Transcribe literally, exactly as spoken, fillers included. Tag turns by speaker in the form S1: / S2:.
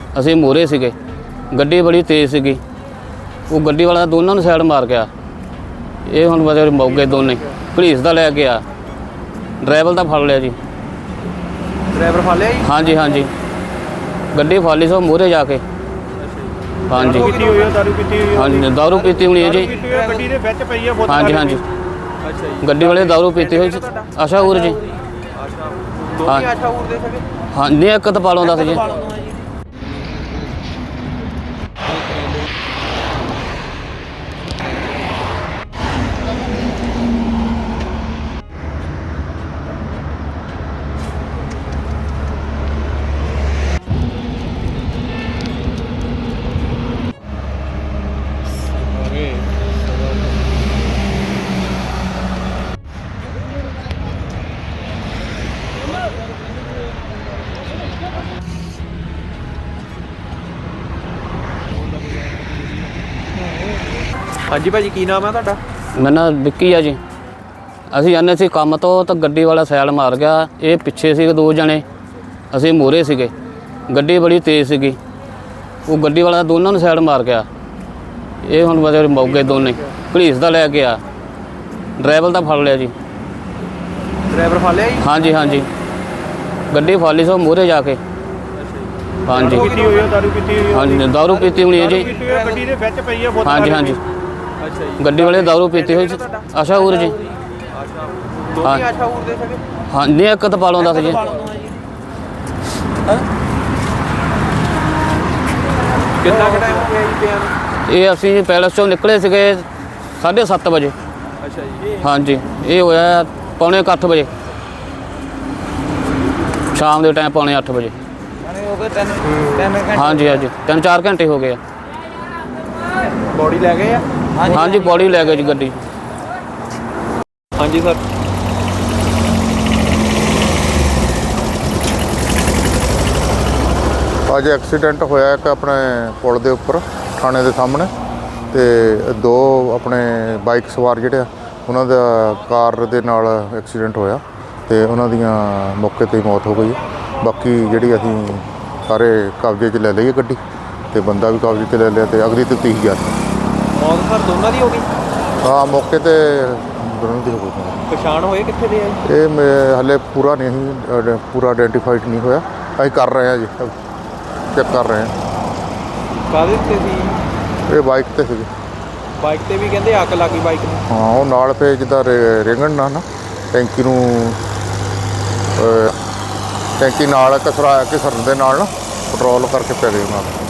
S1: ਅਸੀਂ ਮੋਰੇ ਸੀਗੇ, ਗੱਡੀ ਬੜੀ ਤੇਜ਼ ਸੀਗੀ। ਉਹ ਗੱਡੀ ਵਾਲਾ ਦੋਨਾਂ ਨੂੰ ਸਾਈਡ ਮਾਰ ਗਿਆ। ਇਹ ਹੁਣ ਬਸ ਮੌਕੇ ਦੋਨੇ ਪੁਲਿਸ ਦਾ ਲੈ ਕੇ ਆ, ਡਰਾਈਵਰ ਦਾ ਫੜ ਲਿਆ ਜੀ।
S2: ਡਰਾਈਵਰ ਫੜ ਲਿਆ ਜੀ?
S1: ਹਾਂਜੀ ਹਾਂਜੀ, ਗੱਡੀ ਫੜ ਲਈ ਸੋ ਮੋਰੇ ਜਾ ਕੇ। ਹਾਂਜੀ
S2: ਪੀਤੀ ਹੋਈ ਹੈ, ਦਾਰੂ ਪੀਤੀ ਹੋਈ ਹੈ?
S1: ਹਾਂਜੀ ਦਾਰੂ ਪੀਤੀ ਹੋਣੀ ਹੈ ਜੀ।
S2: ਗੱਡੀ ਦੇ ਵਿੱਚ ਪਈ ਹੈ ਬੋਤਲ?
S1: ਹਾਂਜੀ ਹਾਂਜੀ,
S2: ਅੱਛਾ ਜੀ।
S1: ਗੱਡੀ ਵਾਲੇ ਦਾਰੂ ਪੀਤੀ ਹੋਈ ਸੀ। ਆਸ਼ਾਪੁਰ ਜੀ।
S2: ਅੱਛਾ, ਦੋਨੇ ਆਸ਼ਾਪੁਰ ਦੇ ਸੀਗੇ?
S1: ਹਾਂ, ਨਹੀਂ ਇੱਕ ਤਾਂ ਪਾਲੋਂ ਦਾ ਸੀ ਜੀ।
S2: ਹਾਂਜੀ ਭਾਜੀ, ਕੀ ਨਾਮ ਹੈ ਤੁਹਾਡਾ?
S1: ਮੇਰਾ ਨਾਮ ਵਿੱਕੀ ਆ ਜੀ। ਅਸੀਂ ਜਾਂਦੇ ਸੀ ਕੰਮ ਤੋਂ ਤਾਂ ਗੱਡੀ ਵਾਲਾ ਸਾਈਡ ਮਾਰ ਗਿਆ। ਇਹ ਪਿੱਛੇ ਸੀ ਦੋ ਜਣੇ, ਅਸੀਂ ਮੋਰੇ ਸੀਗੇ, ਗੱਡੀ ਬੜੀ ਤੇਜ਼ ਸੀਗੀ। ਉਹ ਗੱਡੀ ਵਾਲਾ ਦੋਨਾਂ ਨੂੰ ਸਾਈਡ ਮਾਰ ਗਿਆ। ਇਹ ਹੁਣ ਬਸ ਮੌਕੇ ਦੋਨੇ ਪੁਲਿਸ ਦਾ ਲੈ ਕੇ ਆ, ਡਰਾਈਵਰ ਦਾ ਫੜ ਲਿਆ ਜੀ।
S2: ਡਰਾਈਵਰ ਫੜ ਲਿਆ ਜੀ?
S1: ਹਾਂਜੀ ਹਾਂਜੀ, ਗੱਡੀ ਫੜ ਲਈ ਸੋ ਮੋਰੇ ਜਾ ਕੇ। ਹਾਂਜੀ
S2: ਪੀਤੀ ਹੋਈ ਹੈ, ਦਾਰੂ ਪੀਤੀ ਹੋਈ ਹੈ?
S1: ਹਾਂਜੀ ਦਾਰੂ ਪੀਤੀ ਹੋਣੀ ਹੈ ਜੀ।
S2: ਗੱਡੀ ਦੇ ਵਿੱਚ ਪਈ ਹੈ ਬੋਤਲ?
S1: ਹਾਂਜੀ ਹਾਂਜੀ,
S2: ਅੱਛਾ ਜੀ।
S1: ਗੱਡੀ ਵਾਲੇ ਦਾਰੂ ਪੀਤੀ ਹੋਈ ਸੀ। ਆਸ਼ਾਪੁਰ ਜੀ।
S2: ਅੱਛਾ, ਦੋਨੇ ਆਸ਼ਾਪੁਰ ਦੇ ਸੀਗੇ?
S1: ਹਾਂ, ਨਹੀਂ ਇੱਕ ਤਾਂ ਪਾਲੋਂ ਦਾ ਸੀ ਜੀ।
S2: ਕਿੰਨਾ ਕੁ ਟਾਈਮ ਹੋ ਗਿਆ ਜੀ ਪਿਆ ਨੂੰ?
S1: ਇਹ ਅਸੀਂ ਪੈਲਸ ਚੋਂ ਨਿਕਲੇ ਸੀਗੇ ਸਾਢੇ ਸੱਤ ਵਜੇ।
S2: ਅੱਛਾ ਜੀ।
S1: ਹਾਂਜੀ, ਇਹ ਹੋਇਆ ਪੌਣੇ ਕੁ ਅੱਠ ਵਜੇ ਸ਼ਾਮ ਦੇ ਟਾਈਮ, ਪੌਣੇ ਅੱਠ ਵਜੇ। ਹਾਂਜੀ ਹਾਂਜੀ, ਤਿੰਨ ਚਾਰ ਘੰਟੇ ਹੋ ਗਏ ਆ।
S2: ਬੋਡੀ ਲੈ ਗਏ ਆ?
S1: ਹਾਂਜੀ, ਬੋਡੀ ਲੈ ਗਏ ਜੀ ਗੱਡੀ।
S2: ਹਾਂਜੀ ਸਰ।
S3: ਅੱਜ ਐਕਸੀਡੈਂਟ ਹੋਇਆ ਇੱਕ ਆਪਣੇ ਪੁਲ ਦੇ ਉੱਪਰ ਥਾਣੇ ਦੇ ਸਾਹਮਣੇ, ਤੇ ਦੋ ਆਪਣੇ ਬਾਈਕ ਸਵਾਰ ਜਿਹੜੇ ਆ ਉਹਨਾਂ ਦਾ ਕਾਰ ਦੇ ਨਾਲ ਐਕਸੀਡੈਂਟ ਹੋਇਆ ਤੇ ਉਹਨਾਂ ਦੀਆਂ ਮੌਕੇ 'ਤੇ ਮੌਤ ਹੋ ਗਈ। ਬਾਕੀ ਜਿਹੜੀ ਅਸੀਂ ਸਾਰੇ ਕਬਜ਼ੇ 'ਚ ਲੈ ਲਈ ਗੱਡੀ ਤੇ ਬੰਦਾ ਵੀ ਕਬਜ਼ੇ 'ਚ ਲੈ ਲਿਆ ਤੇ ਅਗਲੀ ਤੇ ਤੀਹ ਹਜ਼ਾਰ
S2: ਮੌਤ ਸਰ ਦੋਨਾਂ ਦੀ ਹੋ ਗਈ?
S3: ਹਾਂ, ਮੌਕੇ 'ਤੇ ਦੋਨਾਂ ਦੀ ਹੋ ਗਈ।
S2: ਪਛਾਣ ਹੋਏ ਕਿੱਥੇ ਦੇ ਆ ਜੀ?
S3: ਇਹ ਮੈਂ ਹਾਲੇ ਪੂਰਾ ਨਹੀਂ ਅ, ਪੂਰਾ ਆਇਡੈਂਟੀਫਾਈਡ ਨਹੀਂ ਹੋਇਆ। ਅਸੀਂ ਕਰ ਰਹੇ ਹਾਂ ਜੀ, ਚੈੱਕ ਕਰ ਰਹੇ ਹਾਂ।
S2: ਕਾਹਦੇ ਤੇ ਸੀ?
S3: ਇਹ ਬਾਈਕ 'ਤੇ ਸੀਗੇ।
S2: ਬਾਈਕ ਤੇ ਵੀ ਕਹਿੰਦੇ ਅੱਗ ਲੱਗੀ ਬਾਈਕ ਨੂੰ?
S3: ਹਾਂ, ਉਹ ਨਾਲ ਪਏ ਜਿੱਦਾਂ ਰਿੰਗਣ ਨਾਲ ਨਾ ਟੈਂਕੀ ਨੂੰ, ਟੈਂਕੀ ਨਾਲ ਕਸਰਾ ਘਿਸਰਨ ਦੇ ਨਾਲ ਨਾ ਪੈਟਰੋਲ ਕਰਕੇ ਪੈ ਗਏ ਉਹਨਾਂ ਨੂੰ।